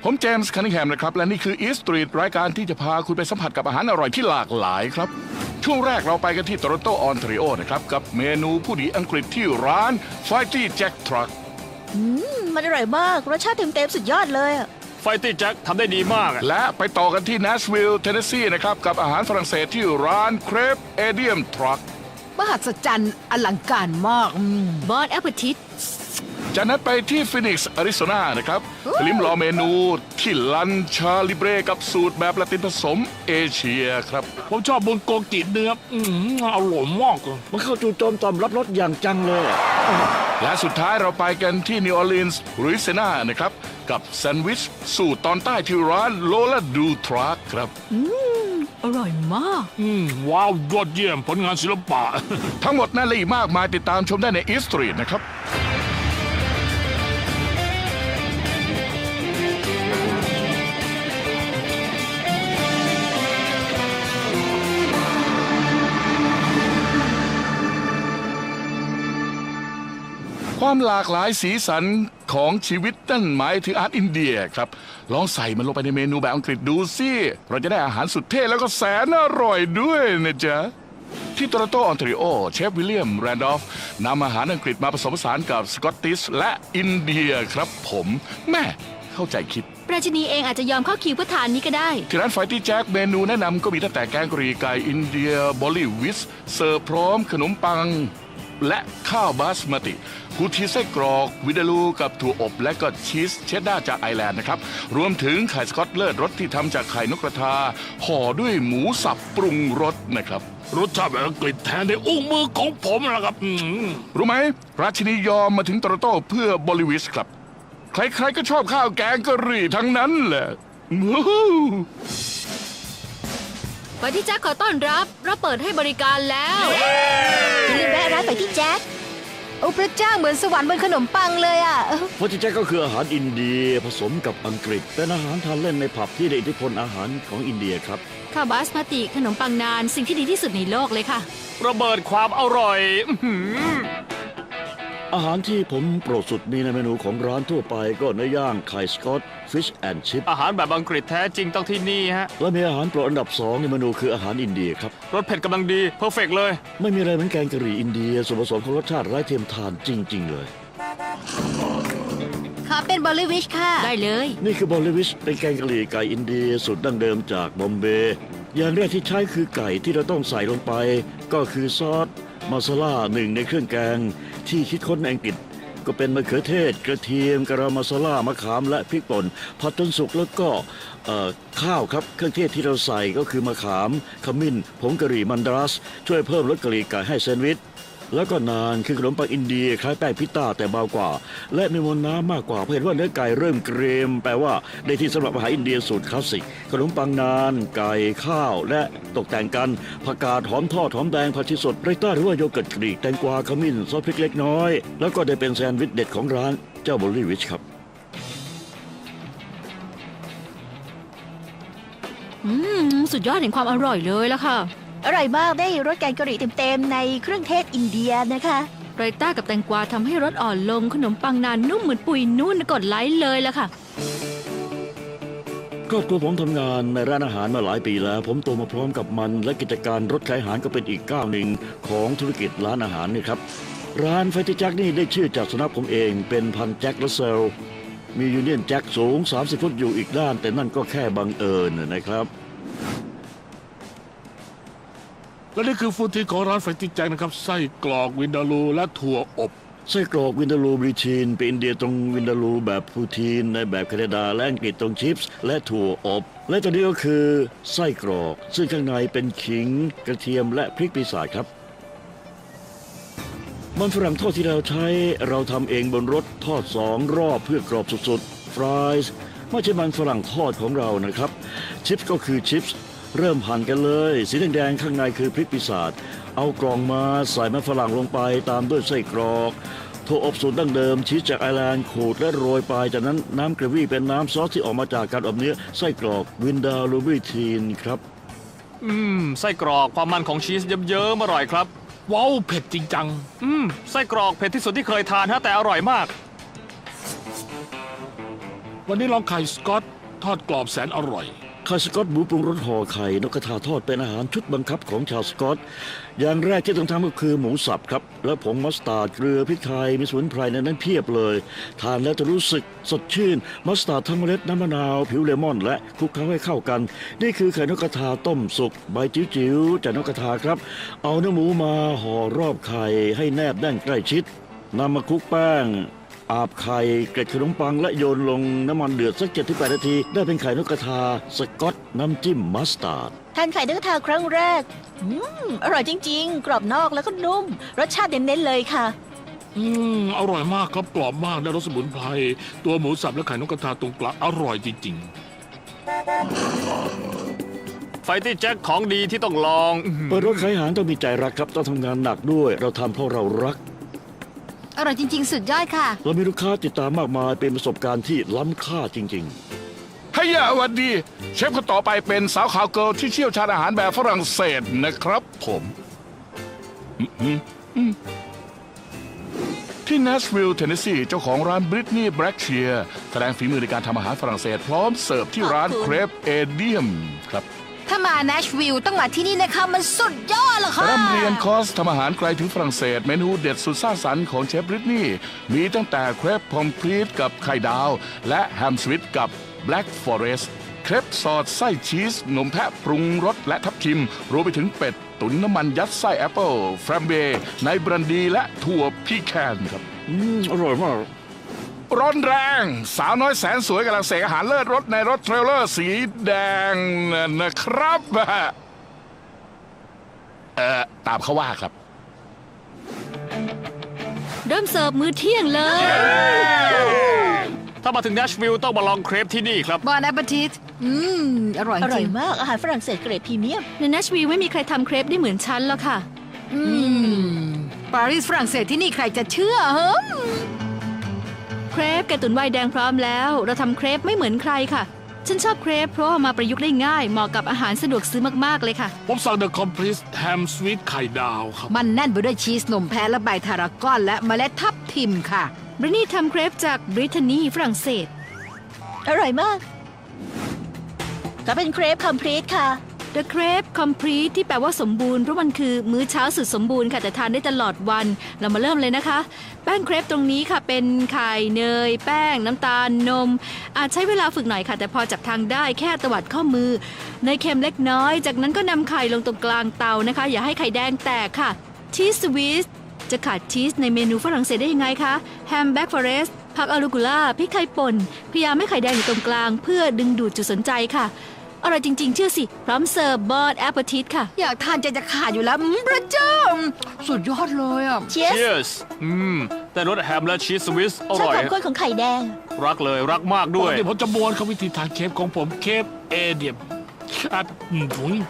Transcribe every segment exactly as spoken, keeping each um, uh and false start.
ผมเจมส์คันนิงแฮมนะครับและนี่คือ Eat Street รายการที่จะพาคุณไปสัมผัสกับอาหารอร่อยที่หลากหลายครับช่วงแรกเราไปกันที่โตรอนโตออนทาริโอนะครับกับเมนูผู้ดีอังกฤษที่ร้าน Fighty Jack Truck อืมมันอร่อยมากรสชาติเต็มๆสุดยอดเลยอะไฟตี้แจ็คทำได้ดีมากอะและไปต่อกันที่ Nashville Tennessee นะครับกับอาหารฝรั่งเศสที่ร้าน Crepe Edium Truck มหัศจรรย์อลังการมากอืมบอนแอปเปิลทิตจากนั้นไปที่ฟินิกซ์อาริโซนานะครับลิ้มลองเมนูที่ลันชาลิเบรกับสูตรแบบละตินผสมเอเชียครับผมชอบบุนโกกิเนื้ออืมอร่อยมากเลยมันเข้าจู่โจมตอมรับรสอย่างจังเลยและสุดท้ายเราไปกันที่นิวออร์ลีนส์ลุยเซียนานะครับกับแซนด์วิชสูตรตอนใต้ที่ร้านโลลาดูทรัคครับอร่อยมากอืมว้าวยอดเยี่ยมผลงานศิลปะทั้งหมดนั่นและอีกมากมายติดตามชมได้ใน Eat Street นะครับความหลากหลายสีสันของชีวิตนั่นหมายถึงอาหารอินเดียครับลองใส่มันลงไปในเมนูแบบอังกฤษดูสิเราจะได้อาหารสุดเท่แล้วก็แสนอร่อยด้วยนะจ๊ะที่โตรอนโตออนทาริโอเชฟวิลเลียมแรนดอฟนำอาหารอังกฤษมาผสมผสานกับสกอตติชและอินเดียครับผมแม่เข้าใจคิดราชินีเองอาจจะยอมเข้าคิวเพื่อทานนี้ก็ได้ที่ร้านไฟตี้แจ็คเมนูแนะนำก็มีตั้งแต่แกงกะหรี่ไก่อินเดียบอลลี่วิสเสิร์ฟพร้อมขนมปังและข้าวบาสมาติกูทีไส้กรอกวิดาลูกับถั่วอบและก็ชีสเชดดาร์จากไอร์แลนด์นะครับรวมถึงไข่สกอตเลิศรสที่ทำจากไข่นกกระทาห่อด้วยหมูสับปรุงรสนะครับรสชาติแบบอังกฤษแทนในอุ้งมือของผมนะครับอืมรู้ไหมราชินียอมมาถึงโตรอนโตเพื่อบอลลิวิสครับใครๆก็ชอบข้าวแกงกะหรี่ทั้งนั้นแหละวู้ฮู้ไปที่แจ็คขอต้อนรับเราเปิดให้บริการแล้วอย่าลืมแวะร้านไปที่แจ็คโอ้พระเจ้าเหมือนสวรรค์บนขนมปังเลยอ่ะเพราะที่แจ็คก็คืออาหารอินเดียผสมกับอังกฤษเป็นอาหารทานเล่นในผับที่ได้อิทธิพลอาหารของอินเดียครับข้าวบาสมาติขนมปังนานสิ่งที่ดีที่สุดในโลกเลยค่ะระเบิดความอร่อยอื้อหืออาหารที่ผมโปรดสุดมีในเมนูของร้านทั่วไปก็เนื้อย่างไข่สกอตฟิชแอนด์ชิพอาหารแบบอังกฤษแท้จริงต้องที่นี่ฮะและมีอาหารโปรดอันดับสองในเมนูคืออาหารอินเดียครับรสเผ็ดกำลังดีเพอร์เฟกเลยไม่มีอะไรเหมือนแกงกะหรี่อินเดียส่วนผสมของรสชาติไร้เทียมทานจริง ๆ เลยขอเป็นบอลลิวิชค่ะได้เลยนี่คือบอลลิวิชเป็นแกงกะหรี่ไก่อินเดียสูตรดั้งเดิมจากบอมเบย์อย่างแรกที่ใช้คือไก่ที่เราต้องใส่ลงไป ก็คือซอสมาซาล่าหนึ่งในเครื่องแกงที่คิดค้นในอังกฤษก็เป็นมะเขือเทศกระเทียมกะรามาซาล่ามะขามและพริกป่นผัดจนสุกแล้วก็เอ่อข้าวครับเครื่องเทศที่เราใส่ก็คือมะขามขมิ้นผงกะหรี่มันดาสช่วยเพิ่มรสกะหรี่ไก่ให้แซนด์วิชแล้วก็นานคือขนมปังอินเดียคล้ายแป้งพิต้าแต่เบากว่า และมีมวลน้ำมากกว่าเพราะเห็นว่าเนื้อไก่เริ่มเกรียมแปลว่าได้ที่สำหรับอาหารอินเดียสูตรคลาสสิกขนมปังนานไก่ข้าวและตกแต่งกันผักกาดหอมทอดหอมแดงผักชีสดไรต้าหรือว่าโยเกิร์ตกรีกแตงกวาขมิ้นซอสพริกเล็กน้อยแล้วก็ได้เป็นแซนด์วิชเด็ดของร้านเจ้าบอลลี่วิชครับอืมสุดยอดแห่งความอร่อยเลยละค่ะอร่อยมากได้รสแกงกะหรี่เต็มๆในเครื่องเทศอินเดียนะคะไรต้ากับแตงกวาทำให้รสอ่อนลงขนมปังนานนุ่มเหมือนปุยนุ่นกดไลค์เลยละค่ะครอบครัวผมทำงานในร้านอาหารมาหลายปีแล้ว ผมโตมาพร้อมกับมันและกิจการรถขายอาหารก็เป็นอีกก้าวหนึ่งของธุรกิจร้านอาหารนี่ครับร้านไฟตี้แจ็คนี่ได้ชื่อจากสุนัขผมเองเป็นพันธุ์แจ็คและเซลมียูเนียนแจ็คสูงสามสิบฟุตอยู่อีกด้านแต่นั่นก็แค่บังเอิญนะครับและนี่คือฟูดทีของร้านไฟตี้แจ็คนะครับไส้กรอกวินดาลูและถั่วอบไส้กรอกวินดาลูบริชีนเป็นอินเดียตรงวินดาลูแบบพูทีนในแบบแคนาดาและอังกฤษตรงชิปส์และถั่วอบ และตัวนี้ก็คือไส้กรอกซึ่งข้างในเป็นขิงกระเทียมและพริกปีศาจครับมันฝรั่งทอดที่เราใช้เราทำเองบนรถทอดสองรอบเพื่อกรอบสุดๆฟรายส์ไม่ใช่มันฝรั่งทอดของเรานะครับชิปส์ก็คือชิปส์เริ่มหั่นกันเลยสีแดงๆข้างในคือพริกปีศาจเอากล่องมาใส่มันฝรั่งลงไปตามด้วยไส้กรอกถั่วอบสูตรดั้งเดิมชีสจากไอร์แลนด์ขูดและโรยไปจากนั้นน้ำกระวี่เป็นน้ำซอสที่ออกมาจากการอบเนื้อไส้กรอกวินดาลูบิทีนครับอืมไส้กรอกความมันของชีสเยิ้มๆอร่อยครับว้าวเผ็ดจริงจังอืมไส้กรอกเผ็ดที่สุดที่เคยทานฮะแต่อร่อยมาก วันนี้ลองไข่สกอตทอดกรอบแสนอร่อยไข่สก๊อตหมูปรุงรสห่อไข่นกกระทาทอดเป็นอาหารชุดบังคับของชาวสกอต อย่างแรกที่ต้องทำก็คือหมูสับครับ แล้วผงมัสตาร์ดเกลือพริกไทยมีสมุนไพรในนั้นเพียบเลย ทานแล้วจะรู้สึกสดชื่น มัสตาร์ดทั้งเมล็ดน้ำมะนาว ผิวเลมอน และคลุกเคล้าให้เข้ากัน นี่คือไข่นกกระทาต้มสุกใบจิ๋วๆจากนกกระทาครับ เอาเนื้อหมูมาห่อรอบไข่ให้แนบแน่นใกล้ชิดนำมาคลุกแป้ง อาบไข่เกล็ดขนมปังและโยนลงน้ำมันเดือดสักเจ็ดถึงแปดนาที ได้เป็นไข่นกกระทาสกอตน้ำจิ้มมัสตาร์ดทานไข่นกกระทาครั้งแรก อืม อร่อยจริง ๆ กรอบนอกแล้วก็นุ่ม รสชาติเน้นๆเลยค่ะอืม อร่อยมากครับกรอบมากได้รสสมุนไพรตัวหมูสับและไข่นกกระทาตรงกลางอร่อยจริงไฟที่แจ็คของดีที่ต้องลองเปิดรถขายอาหารต้องมีใจรักครับต้องทำงานหนักด้วย เราทำเพราะเรารักอร่อยจริง ๆ สุดยอดค่ะเรามีลูกค้าติดตามมากมายเป็นประสบการณ์ที่ล้ำค่าจริง ๆให้ยาวันดี เชฟคนต่อไปเป็นสาวขาวเกิร์ลที่เชี่ยวชาญอาหารแบบฝรั่งเศสนะครับผมอืมอืมอืมที่นัชวิลล์เทนเนสซีเจ้าของร้านบริตนีย์แบล็กเชียร์แสดงฝีมือในการทำอาหารฝรั่งเศสพร้อมเสิร์ฟที่ร้านขอบคุณเครปเอเดียมครับถ้ามาเนชวิลล์ต้องมาที่นี่นะคะมันสุดยอดเลยค่ะร่ำเรียนคอร์สทำอาหารไกลถึงฝรั่งเศสเมนูเด็ดสุดสร้างสรรค์ของเชฟบริตนีย์มีตั้งแต่เครปพอมพรีตกับไข่ดาว และแฮมสวิตกับแบล็กฟอเรสต์เครปสอดไส้ชีสนมแพะปรุงรสและทับทิม รวมไปถึงเป็ด ตุ๋นน้ำมันยัดไส้แอปเปิลแฟรมเบย์ในบรันดีและถั่วพีแคนครับอืม อร่อยมากร้อนแรง สาวน้อยแสนสวยกำลังเสกอาหารเลิศรสในรถเทรลเลอร์สีแดงนะครับ เอ่อ ตามเขาว่าครับเริ่มเสิร์ฟมื้อเที่ยงเลยถ้ามาถึงเนชวิลล์ต้องมาลองเครปที่นี่ครับบอนแอปเปอร์ทิตอืม อร่อยอจร่อริยงมากอาหารฝรั่งเศสเกรดพรีเมียมในเนชวิลล์ไม่มีใครทำเครปได้เหมือนฉันแล้วค่ะ อืม ปารีสฝรั่งเศสที่นี่ใครจะเชื่อเหรอเครปแกงตุ๋นไวน์แดงพร้อมแล้ว เราทำเครปไม่เหมือนใครค่ะ ฉันชอบเครปเพราะว่ามาประยุกต์ได้ง่าย เหมาะกับอาหารสะดวกซื้อมากๆเลยค่ะๆ ผมสั่งเดอะคอมพลีทแฮมสวีทไข่ดาวครับมันแน่นไปด้วยชีสนมแพะและใบทารากอนและเมล็ดทับทิมค่ะบรินี่ทำเครปจากบริเทนีฝรั่งเศสอร่อยมาก ก็เป็นเครปคอมพลีทค่ะ The Crepe Complete ที่แปลว่าสมบูรณ์เพราะมันคือมื้อเช้าสุดสมบูรณ์ค่ะแต่ทานได้ตลอดวัน เรามาเริ่มเลยนะคะ แป้งเครปตรงนี้ค่ะเป็นไข่เนย แป้ง น้ำตาลนม อาจใช้เวลาฝึกหน่อยค่ะ แต่พอจับทางได้แค่ตวัดข้อมือเนยเค็มเล็กน้อย จากนั้นก็นำไข่ลงตรงกลางเตานะคะ อย่าให้ไข่แดงแตกค่ะชีสสวิสจะขาดชีสในเมนูฝรั่งเศสได้ยังไงคะแฮมแบ็กฟอเรสต์ผักอารูกุล่าพริกไทยป่นพยายามให้ไข่แดงอยู่ตรงกลาง เพื่อดึงดูดจุดสนใจค่ะอร่อยจริงๆเชื่อสิพร้อมเสิร์ฟบอร์ดแอปเปิลทิตค่ะอยากทานใจจะขาดอยู่แล้วอืมพระเจ้า สุดยอดเลยอ่ะเชียส Cheers อืม แต่รสแฮมและชีสสวิสอชอบร่อยความข้นของไข่แดงรักเลยรักมากด้วยเดี๋ยวผมจะบวนเขาวิธีทานเคฟของผมเคฟเอเดียมอัดถุง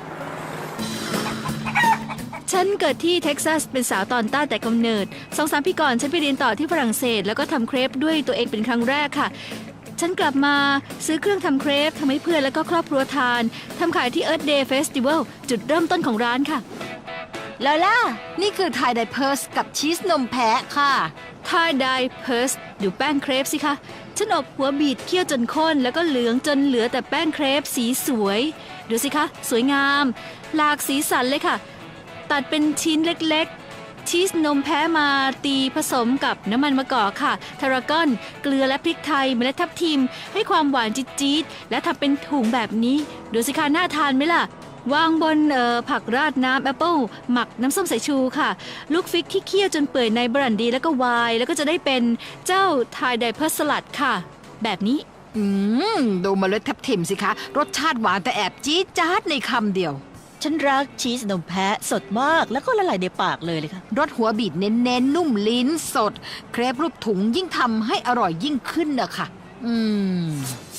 ฉันเกิดที่เท็กซัสเป็นสาวตอนใต้แต่กำเนิดสองสามปีก่อนฉันไปเรียนต่อที่ฝรั่งเศส แล้วก็ทำเครปด้วยตัวเองเป็นครั้งแรกค่ะ ฉันกลับมาซื้อเครื่องทำเครปทำให้เพื่อนแล้วก็ครอบครัวทานทำขายที่ Earth Day Festival จุดเริ่มต้นของร้านค่ะลอล่านี่คือไทยไดเพิร์สกับชีสนมแพะค่ะทายไดเพิร์สดูแป้งเครปสิคะ ฉันอบหัวบีดเคี่ยวจนข้น แล้วก็เหลืองจนเหลือแต่แป้งเครปสีสวย ดูสิคะ สวยงาม หลากสีสันเลยค่ะ ตัดเป็นชิ้นเล็กๆ ชีสนมแพ้มาตีผสมกับน้ำมันมะกอกค่ะ ทารากอน เกลือและพริกไทย เมล็ดทับทิม ให้ความหวานจี๊ดๆ และทำเป็นถุงแบบนี้ ดูสิคะ น่าทานไหมล่ะ วางบนเอ่อผักราดน้ำแอปเปิลหมักน้ำส้มสายชูค่ะ ลูกฟิกที่เคี่ยวจนเปื่อยในบรันดีแล้วก็ไวน์แล้วก็จะได้เป็นเจ้าไทยไดเพิร์สลัดค่ะ แบบนี้อืม ดูเมล็ดทับทิมสิคะ รสชาติหวานแต่แอบจี๊ดจ๊าดในคำเดียวฉันรักชีสนมแพะสดมากแล้วก็ละลายในปากเลยเลยค่ะรสหัวบีดเน้นๆ นุ่มลิ้นสด เครปรูปถุงยิ่งทำให้อร่อยยิ่งขึ้นนะคะอืม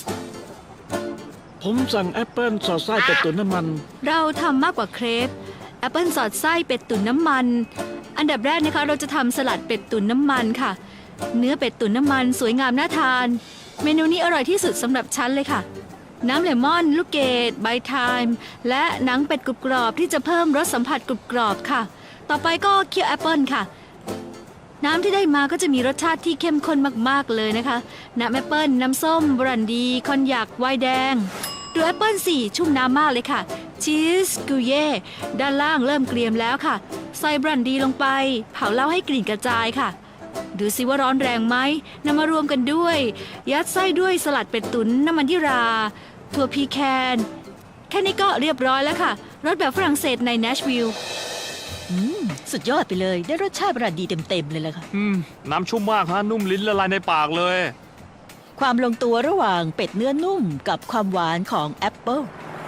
ผมสั่งแอปเปิลสอดไส้เป็ดตุ๋นน้ำมันเราทำมากกว่าเครปแอปเปิลสอดไส้เป็ดตุ๋นน้ำมัน อันดับแรกนะคะเราจะทำสลัดเป็ดตุ๋นน้ำมันค่ะ เนื้อเป็ดตุ๋นน้ำมันสวยงามน่าทาน เมนูนี้อร่อยที่สุดสำหรับฉันเลยค่ะ น้ำเลมอน ลูกเกดใบไทม์และหนังเป็ดกรุบกรอบที่จะเพิ่มรสสัมผัสกรุบกรอบค่ะ ต่อไปก็เคี่ยวแอปเปิลค่ะน้ำที่ได้มาก็จะมีรสชาติที่เข้มข้นมากๆเลยนะคะน้ำแอปเปิ้ลน้ำส้มบรันดีคอนยักไวน์แดงดูแอปเปิ้ลสี่ชุ่มน้ำมากเลยค่ะชีสกุเย่ด้านล่างเริ่มเกรียมแล้วค่ะใส่บรันดีลงไปเผาเหล้าให้กลิ่นกระจายค่ะดูสิว่าร้อนแรงไหมนำมารวมกันด้วยยัดไส้ด้วยสลัดเป็ดตุ๋นน้ำมันยี่ราถั่วพีแคนแค่นี้ก็เรียบร้อยแล้วค่ะรสแบบฝรั่งเศสในเนชวิลล์อืม สุดยอดไปเลย ได้รสชาติบรันดีเต็มๆเลยล่ะค่ะอืม น้ำชุ่มมากฮะนุ่มลิ้นละลายในปากเลยความลงตัวระหว่างเป็ดเนื้อนุ่มกับความหวานของแอปเปิล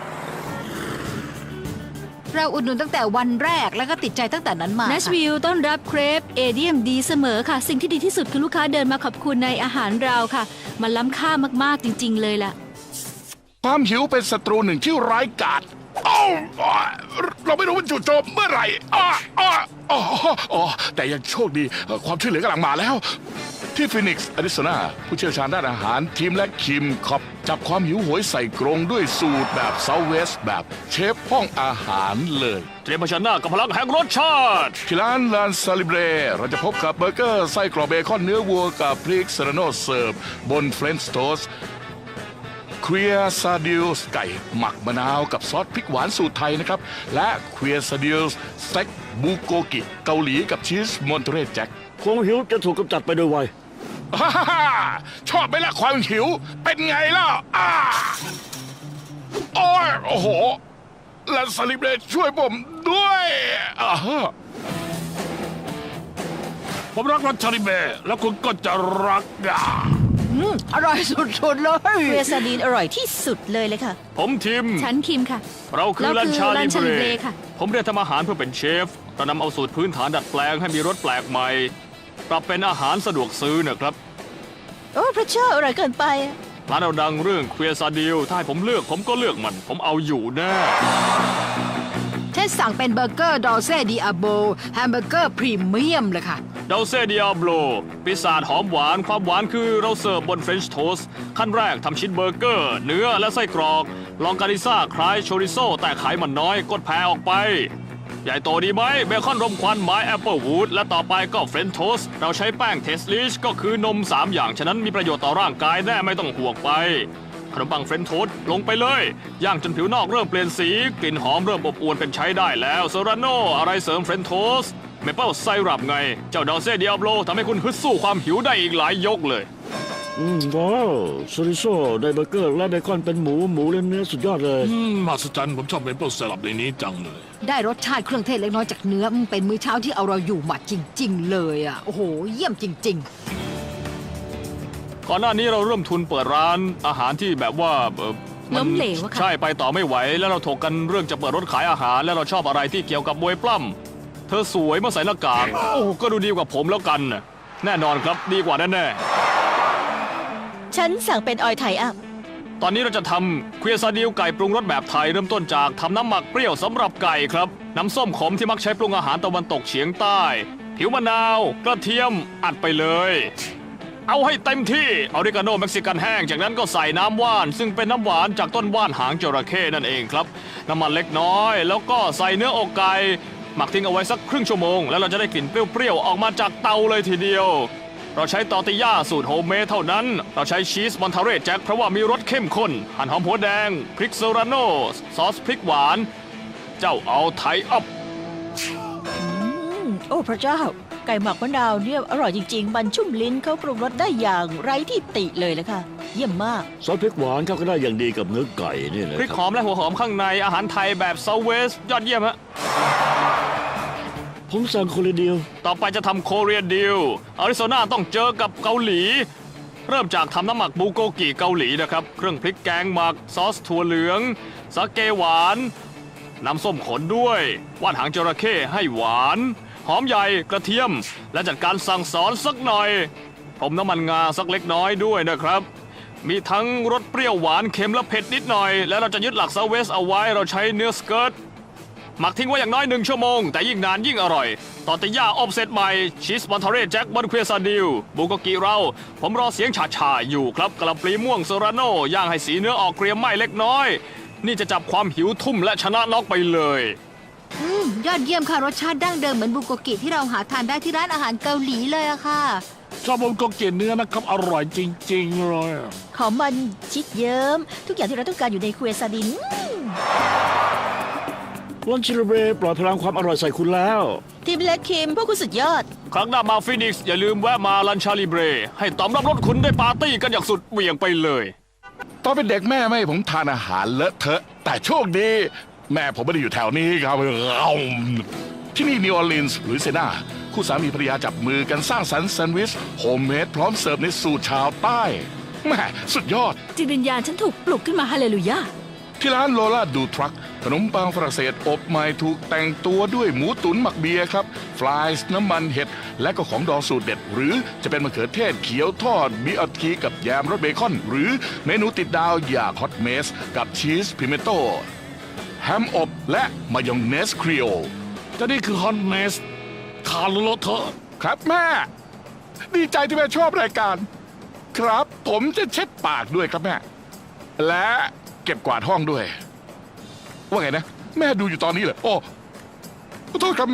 เราอุดหนุนตั้งแต่วันแรกแล้วก็ติดใจตั้งแต่นั้นมาเนชค่ะวิลล์ต้อนรับเครปเอเดียมดีเสมอค่ะ สิ่งที่ดีที่สุดคือลูกค้าเดินมาขอบคุณในอาหารเราค่ะ มันล้ำค่ามากๆจริงๆเลยล่ะความหิวเป็นศัตรูหนึ่งที่ร้ายกาจอ้าวอ้าวเราไม่รู้ว่าจู่โจมเมื่อไหร่อ้าวอ้าวอ๋ออ๋อแต่ยังโชคดีความช่วยเหลือกำลังมาแล้ว ที่ฟินิกซ์อาริโซนาผู้เชี่ยวชาญด้านอาหารทีมและคิมคอปจับความหิวโหยใส่กรงด้วยสูตรแบบเซาเวสแบบเชฟห้องอาหารเลยเตรียมเผชิญหน้ากับพลังแห่งรสชาติที่ร้านลานซาลิเบรเราจะพบกับเบอร์เกอร์ไส้กรอบเบคอนเนื้อวัวกับพริกเซราโนเสิร์ฟบนเฟรนช์โทสต์เควียซาดิลส์ไก่หมักมะนาวกับซอสพริกหวานสูตรไทยนะครับ และเควียซาดิลส์สเต็กบูโกกิเกาหลีกับชีสมอนเทเรแจ็คความหิวจะถูกกำจัดไปโดยไวฮ่าฮ่าฮ่าชอบไหมล่ะความหิว เป็นไงล่ะอ้าโอ้ยโอ้โหลานซาลิเบรช่วยผมด้วยอ่าฮะผมรักรสชาลิเบะแล้วคุณก็จะรักอ่ะอืมอร่อยสุดๆเลยเรซาดีนอร่อยที่สุดเลยเลยค่ะผมทิมฉันคิมค่ะเราคือเราลันคือชาลัลินชาลิเบเบรรค่ะผมเรียนทำอาหารเพื่อเป็นเชฟ เรานำเอาสูตรพื้นฐานดัดแปลงให้มีรสแปลกใหม่ ปรับเป็นอาหารสะดวกซื้อนะครับโอ้พระเจ้าอร่อยเกินไปอะร้านเราดังเรื่องเควียซาดิลถ้าให้ผมเลือกผมก็เลือกมัน ผมเอาอยู่แน่เช่นสั่งเป็นเบอร์เกอร์ดอเซ่ดิอาโบแฮมเบอร์เกอร์พรีเมียมเลยค่ะเดาเซเดียโบลพิซซ่าหอมหวานความหวานคือเราเสิร์ฟบนเฟรนช์โทสต์ขั้นแรกทำชิ้นเบอร์เกอร์ เนื้อและไส้กรอก ลองกาลิซ่าคล้ายโชริโซแต่ไขมันน้อยกดแผ่ออกไป ใหญ่โตดีไหมเบคอนรมควันไม้แอปเปิลวูดและต่อไปก็เฟรนช์โทสต์เราใช้แป้งเทสลิชก็คือนมสามอย่างฉะนั้นมีประโยชน์ต่อร่างกายแน่ไม่ต้องห่วงไป ขนมปังเฟรนช์โทสต์ลงไปเลยย่างจนผิวนอกเริ่มเปลี่ยนสีกลิ่นหอมเริ่มอบอวลเป็นใช้ได้แล้วเซราโนอะไรเสริมเฟรนช์โทสต์เมเปิลไซรัปไง เจ้าดอเซ่เดียโบลทำให้คุณฮึดสู้ความหิวได้อีกหลายยกเลยอืมว้าวโซริโซได้เบอร์เกอร์และเบคอนเป็นหมูหมูและเนื้อสุดยอดเลยอืมมหัศจรรย์ผมชอบเมเปิลสลับในนี้จังเลยได้รสชาติเครื่องเทศเล็กน้อยจากเนื้อมันเป็นมื้อเช้าที่เอาเราอยู่หมัดจริง ๆ เลยอ่ะ โอ้โห เยี่ยมจริงก่อนหน้านี้เราเริ่มทุนเปิดร้านอาหารที่แบบว่าเอ่อมันล้มเหลวอะค่ะใช่ไปต่อไม่ไหว แล้วเราถกกันเรื่องจะเปิดรถขายอาหาร แล้วเราชอบอะไรที่เกี่ยวกับมวยปล้ำเธอสวยเมื่อใส่หน้ากากโอ้ก็ดูดีกว่าผมแล้วกันน่ะแน่นอนครับดีกว่าแน่ๆฉันสั่งเป็นออยไทอัพตอนนี้เราจะทำเควียซาดิลไก่ปรุงรสแบบไทยเริ่มต้นจากทำน้ำหมักเปรี้ยวสำหรับไก่ครับ น้ำส้มขมที่มักใช้ปรุงอาหารตะวันตกเฉียงใต้ ผิวมะนาว กระเทียมอัดไปเลย เอาให้เต็มที่ออริกาโนเม็กซิกันแห้งจากนั้นก็ใส่น้ำว่าน ซึ่งเป็นน้ำหวานจากต้นว่านหางจระเข้นั่นเองครับ น้ำมันเล็กน้อย แล้วก็ใส่เนื้ออกไก่หมักทิ้งเอาไว้สักครึ่งชั่วโมงแล้วเราจะได้กลิ่นเปรี้ยวๆออกมาจากเตาเลยทีเดียว เราใช้ตอร์ติญ่าสูตรโฮมเมดเท่านั้น เราใช้ชีสมอนทาเรแจ็คเพราะว่ามีรสเข้มข้น หั่นหอมหัวแดง พริกเซราโนซอสพริกหวาน เจ้าเอาไทยอัพอืม โอ้พระเจ้า ไก่หมักมะนาวเนี่ยอร่อยจริงๆ มันชุ่มลิ้นเขาปรุงรสได้อย่างไร้ที่ติเลยเลยค่ะ เยี่ยมมากซอสพริกหวานเข้ากันได้อย่างดีกับเนื้อไก่นี่เลยพริกคหรับอมและหัวหอมข้างในอาหารไทยแบบเซาเวสยอดเยี่ยมฮะผมสั่งคนละเดียวต่อไปจะทำโคเรียดิลอาริโซนาต้องเจอกับเกาหลี เริ่มจากทำน้ำหมักบูโกกิเกาหลีนะครับ เครื่องพริกแกงหมัก ซอสถั่วเหลือง สาเกหวาน น้ำส้มขนด้วย ว่านหางจระเข้ให้หวาน หอมใหญ่กระเทียม และจัดการสั่งสอนสักหน่อย ผมน้ำมันงาสักเล็กน้อยด้วยนะครับ มีทั้งรสเปรี้ยวหวานเค็มและเผ็ดนิดหน่อย และเราจะยึดหลักเซาเวสเอาไว้เราใช้เนื้อสเกิร์ต หมักทิ้งไว้อย่างน้อยหนึ่งชั่วโมง แต่ยิ่งนานยิ่งอร่อย ตอร์ติญ่าอบเสร็จใหม่ ชีสมอนทาเรแจ็คบนเควียซาดิลบูโกกิเรา ผมรอเสียงฉาฉาๆอยู่ครับกะหล่ำปลีม่วงโซราโนย่างให้สีเนื้อออกเกรียมไหม้เล็กน้อย นี่จะจับความหิวทุ่มและชนะน็อกไปเลยอืมยอดเยี่ยมค่ะรสชาติดั้งเดิมเหมือนบุโกกิที่เราหาทานได้ที่ร้านอาหารเกาหลีเลยอะค่ะชอบผมก็เกลียดเนื้อนะครับ อร่อยจริงๆเลยหอมมันชิดเยิ้มทุกอย่างที่เราต้องการอยู่ในครัวซาดินอืมลันชิโรเบปล่อยพลังความอร่อยใส่คุณแล้วทีมเล็กคิมพวกคุณสุดยอดครั้งหน้ามาฟินิกซ์อย่าลืมแวะมาลันชาลิเบร ให้ตอมรับรสคุณได้ปาร์ตี้กันอย่างสุดเหวี่ยงไปเลยตอนเป็นเด็กแม่ไม่ให้ผมทานอาหารเลอะเทอะ แต่โชคดี แม่ผมไม่ได้อยู่แถวนี้ครับเอาที่นี่นิวออร์ลีนส์หรือเซนาคู่สามีภรรยาจับมือกันสร้างสรรค์แซนด์วิชโฮมเมดพร้อมเสิร์ฟในสูตรชาวใต้แม่สุดยอดจิตวิญญาณฉันถูกปลุกขึ้นมาฮาเลลูยาที่ร้านโลล่าดูทรัคขนมปังฝรั่งเศสอบใหม่ถูกแต่งตัวด้วยหมูตุ๋นหมักเบียร์ครับฟรายส์น้ำมันเห็ด และก็ของดองสูตรเด็ด หรือจะเป็นมะเขือเทศเขียวทอดบิอัทีกับแยมรสเบคอน หรือเมนูติดดาวอย่างฮอตเมสกับชีสพิเมโต้แฮมอบและมายองเนสครีโอแต่นี่คือฮอนเมสทานแล้วเลอะเทอะครับแม่ ดีใจที่แม่ชอบรายการ ครับผมจะเช็ดปากด้วยครับแม่ และเก็บกวาดห้องด้วย ว่าไงนะ แม่ดูอยู่ตอนนี้เหรอโอ้ขอโทษครับแม่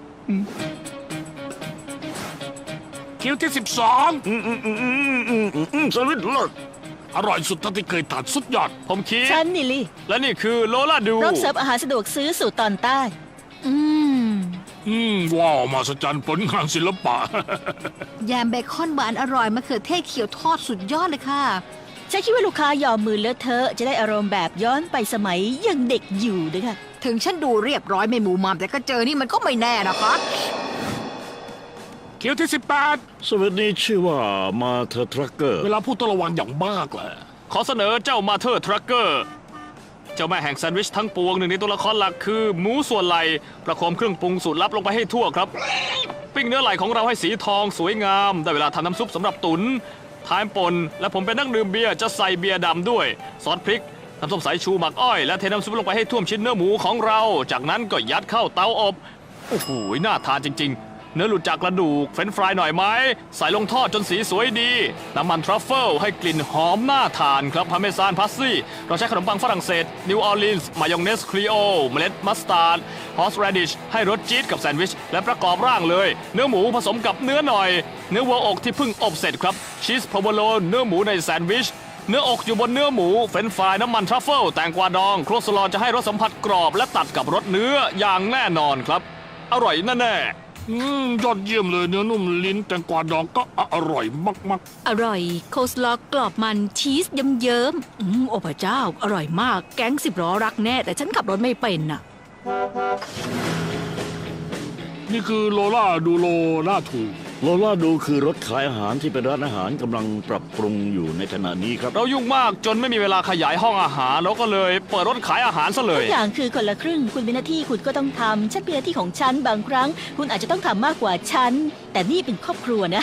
คิวที่สิบสองอืมอืมอืมอืมอืมอืมอืมสวิตเลิศอร่อยสุดเท่าที่เคยทานสุดยอดผมคิดฉันนิลลี่และนี่คือโลล่าดูพร้อมเสิร์ฟอาหารสะดวกซื้อสู่ตอนใต้อืมอืมว้าวมาสจันผลงานศิลปะแยมเบคอนหวานอร่อยมะเขือเทศเขียวทอดสุดยอดเลยค่ะฉันคิดว่าลูกค้ายอมมือเลอะเทอะจะได้อารมณ์แบบย้อนไปสมัยยังเด็กอยู่ด้วยค่ะถึงฉันดูเรียบร้อยไม่หมูมามแต่ก็เจอนี่มันก็ไม่แน่นะคะคิวที่สิบแปดสวัสดีชื่อว่ามาเธอทรัคเกอร์เวลาพูดต้องระวังอย่างมากแหละขอเสนอเจ้ามาเธอร์ทรัคเกอร์เจ้าแม่แห่งแซนด์วิชทั้งปวงหนึ่งในตัวละครหลักคือหมูส่วนไหลประโคมเครื่องปรุงสูตรลับลงไปให้ทั่วครับ ปิ้งเนื้อไหลของเราให้สีทองสวยงาม ได้เวลาทำน้ำซุปสำหรับตุนทานปนและผมเป็นนักดื่มเบียร์จะใส่เบียร์ดำด้วย ซอสพริกน้ำส้มสายชูหมักอ้อยและเทน้ำซุปลงไปให้ท่วมชิ้นเนื้อหมูของเรา จากนั้นก็ยัดเข้าเตาอบโอ้โหน่าทานจริง ๆ เนื้อหลุดจากกระดูกเฟรนช์ฟรายหน่อยไหมใส่ลงทอดจนสีสวยดี น้ำมันทรัฟเฟิลให้กลิ่นหอมน่าทานครับพาเมซานพาสซี่เราใช้ขนมปังฝรั่งเศสนิวออร์ลีนส์มายองเนสครีโอเมล็ดมัสตาร์ดฮอสแรดิชให้รสจี๊ดกับแซนด์วิชและประกอบร่างเลย เนื้อหมูผสมกับเนื้อหน่อย เนื้อวัวอกที่เพิ่งอบเสร็จครับชีสพาวเวโลเนื้อหมูในแซนด์วิชเนื้ออกอยู่บนเนื้อหมูเฟรนช์ฟรายน้ำมันทรัฟเฟิลแตงกวาดองโครสลอนจะให้รสสัมผัสกรอบและตัดกับรสเนื้ออย่างแน่นอนครับอร่อยแน่ๆอืมยอดเยี่ยมเลยเนื้อนุ่มลิ้นแตงกวาดองก็อร่อยมากอร่อย โคสลอกรอบมันชีสเยิ้มๆอืมโอ้พระเจ้า อร่อยมาก แก๊งสิบล้อรักแน่ แต่ฉันขับรถไม่เป็นน่ะๆ นี่คือโลล่าดูโลล่าถูโลล่าดูคือรถขายอาหารที่เป็นร้านอาหารกำลังปรับปรุงอยู่ในขณะนี้ครับเรายุ่งมากจนไม่มีเวลาขยายห้องอาหารแล้วก็เลยเปิดรถขายอาหารซะเลทุยกอย่างคือคนละครึ่ง คุณเป็นหน้าที่คุณก็ต้องทำฉันเป็นหน้าที่ของฉันบางครั้ง คุณอาจจะต้องทำมากกว่าฉัน แต่นี่เป็นครอบครัวนะ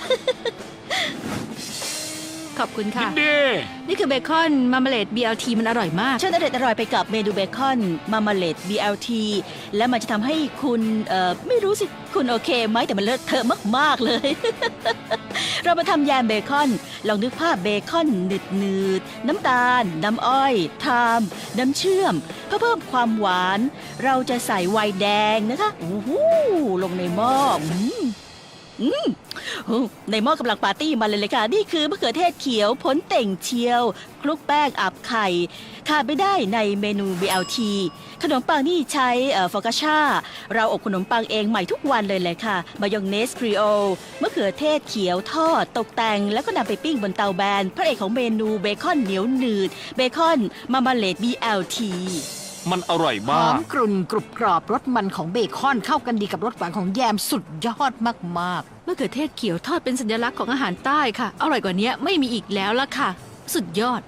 ขอบคุณยิค่ะนดีนี่คือเบคอนมาร์เมเลด บี แอล ที มันอร่อยมากฉันอร่อยอร่อยไปกับเมนูเบคอนมามาเลด บี แอล ที และมันจะทำให้คุณเอ่อไม่รู้สิ คุณโอเคไหมแต่มันเลอะเทอะมาก ๆ เลย เรามาทำแยมเบคอน ลองนึกภาพเบคอนหนืดหนืดๆน้ำตาล น้ำอ้อย ไทม์น้ำเชื่อม เพื่อเพิ่มความหวาน เราจะใส่ไวน์แดงนะคะโอ้โหลงในหม้ออืมอืมโอ้ในหม้อกำลังปาร์ตี้มาเลยเลยค่ะ นี่คือมะเขือเทศเขียวผลเต่งเชียวคลุกแป้งอับไข่ขาดไม่ได้ในเมนู บี แอล ที ขนมปังนี่ใช้ฟอกาชาเราอบขนมปังเองใหม่ทุกวันเลยเลยค่ะ มายองเนสครีโอมะเขือเทศเขียวทอด ตกแต่งแล้วก็นำไปปิ้งบนเตาแบน พระเอกของเมนูเบคอนเหนียวหนืด เบคอนมามาเลด บี แอล ทีมันอร่อยหมาอก มกรุ่นกรุบกรอบรสมันของเบคอนเข้ากันดีกับรสหวานของแยมสุดยอดมากมะเขือเทศเขียวทอดเป็นสัญลักษณ์ของอาหารใต้ค่ะ อร่อยกว่านี้ไม่มีอีกแล้วล่ะค่ะ สุดยอด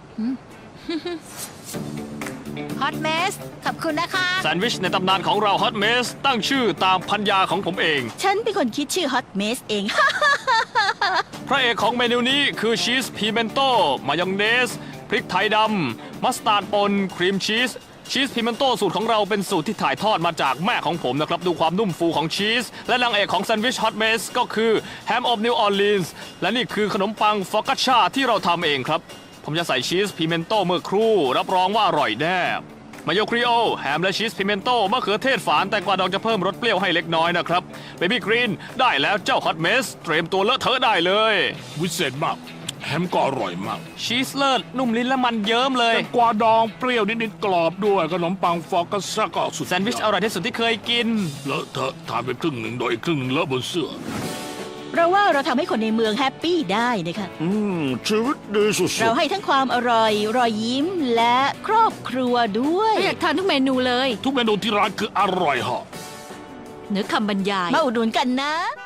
ๆฮอตเมสขอบคุณนะคะแซนด์วิชในตำนานของเราฮอตเมสตั้งชื่อตามพันยาของผมเองฉันเป็นคนคิดชื่อฮอตเมสเองพระเอกของเมนูนี้คือชีสพีเมนโต้มายองเนส พริกไทยดำมัสตาร์ดปนครีมชีสชีสพิเมนโต้สูตรของเราเป็นสูตรที่ถ่ายทอดมาจากแม่ของผมนะครับ ดูความนุ่มฟูของชีส และนางเอกของแซนด์วิชฮอตเมสก็คือแฮมอบนิวออร์ลีนส์และนี่คือขนมปังฟอกาชาที่เราทำเองครับ ผมจะใส่ชีสพิเมนโต้เมื่อครู่ รับรองว่าอร่อยแน่มายโยครีโอแฮมและชีสพิเมนโต้มะเขือเทศฝานแต่กว่าดองจะเพิ่มรสเปรี้ยวให้เล็กน้อยนะครับเบบี้กรีนได้แล้วเจ้าฮอตเมสเตรียมตัวเลอะเทอะได้เลยวิเศษมากแฮมก็อร่อยมากชีสเลิศนุ่มลิ้นและมันเยิ้มเลยแตงกวาดองเปรี้ยวนิดๆกรอบด้วยขนมปังฟอกกัสก็สุดแซนด์วิชอร่อยที่สุดที่เคยกินเลอะเทอะทานไปครึ่งหนึ่งโดยอีกครึ่งหนึ่งเลอะบนเสื้อเพราะว่าเราทำให้คนในเมืองแฮปปี้ได้นะคะอืมชีวิตดีสุดเราให้ทั้งความอร่อย รอยยิ้มและครอบครัวด้วยอยากทานทุกเมนูเลยทุกเมนูที่ร้านคืออร่อยเหาะเหนือคำบรรยายมาอุดหนุนกันนะ